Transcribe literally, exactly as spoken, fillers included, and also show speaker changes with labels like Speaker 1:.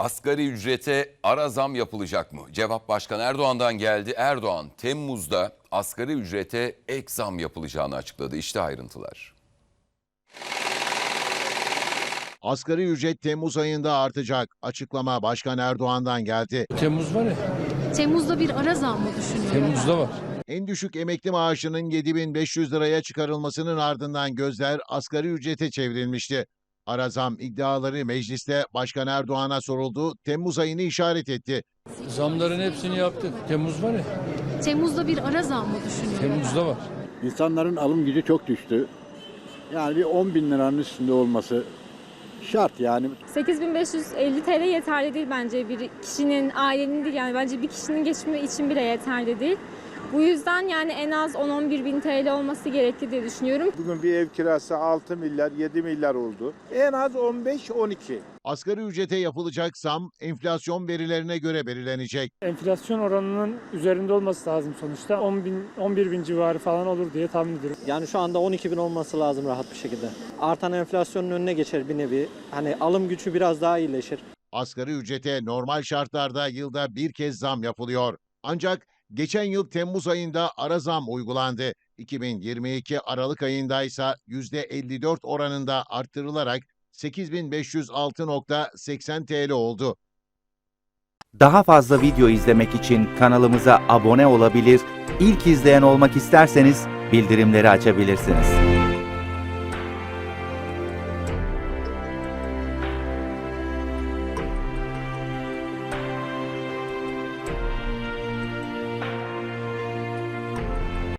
Speaker 1: Asgari ücrete ara zam yapılacak mı? Cevap Başkan Erdoğan'dan geldi. Erdoğan Temmuz'da asgari ücrete ek zam yapılacağını açıkladı. İşte ayrıntılar.
Speaker 2: Asgari ücret Temmuz ayında artacak. Açıklama Başkan Erdoğan'dan geldi.
Speaker 3: Temmuz var ya.
Speaker 4: Temmuz'da bir ara zam mı düşünüyor?
Speaker 3: Temmuz'da var.
Speaker 2: En düşük emekli maaşının yedi bin beş yüz liraya çıkarılmasının ardından gözler asgari ücrete çevrilmişti. Ara zam iddiaları mecliste Başkan Erdoğan'a soruldu. Temmuz ayını işaret etti.
Speaker 3: Zamların hepsini yaptık. Temmuz var ya.
Speaker 4: Temmuz'da bir ara zam mı düşünüyor?
Speaker 3: Temmuz'da var.
Speaker 5: İnsanların alım gücü çok düştü. Yani bir on bin liranın üstünde olması şart yani.
Speaker 6: sekiz bin beş yüz elli T L yeterli değil bence bir kişinin, ailenin değil, yani bence bir kişinin geçimi için bile yeterli değil. Bu yüzden yani en az on on bir bin T L olması gerekli diye düşünüyorum.
Speaker 7: Bugün bir ev kirası altı milyar yedi milyar oldu. En az on beş on iki.
Speaker 2: Asgari ücrete yapılacak zam enflasyon verilerine göre belirlenecek.
Speaker 8: Enflasyon oranının üzerinde olması lazım sonuçta. on bin, on bir bin civarı falan olur diye tahmin ediyorum.
Speaker 9: Yani şu anda on iki bin olması lazım rahat bir şekilde. Artan enflasyonun önüne geçer bir nevi. Hani alım gücü biraz daha iyileşir.
Speaker 2: Asgari ücrete normal şartlarda yılda bir kez zam yapılıyor. Ancak geçen yıl Temmuz ayında ara zam uygulandı. iki bin yirmi iki Aralık ayında ise yüzde elli dört oranında arttırılarak sekiz bin beş yüz altı virgül seksen T L oldu.
Speaker 10: Daha fazla video izlemek için kanalımıza abone olabilir, ilk izleyen olmak isterseniz bildirimleri açabilirsiniz.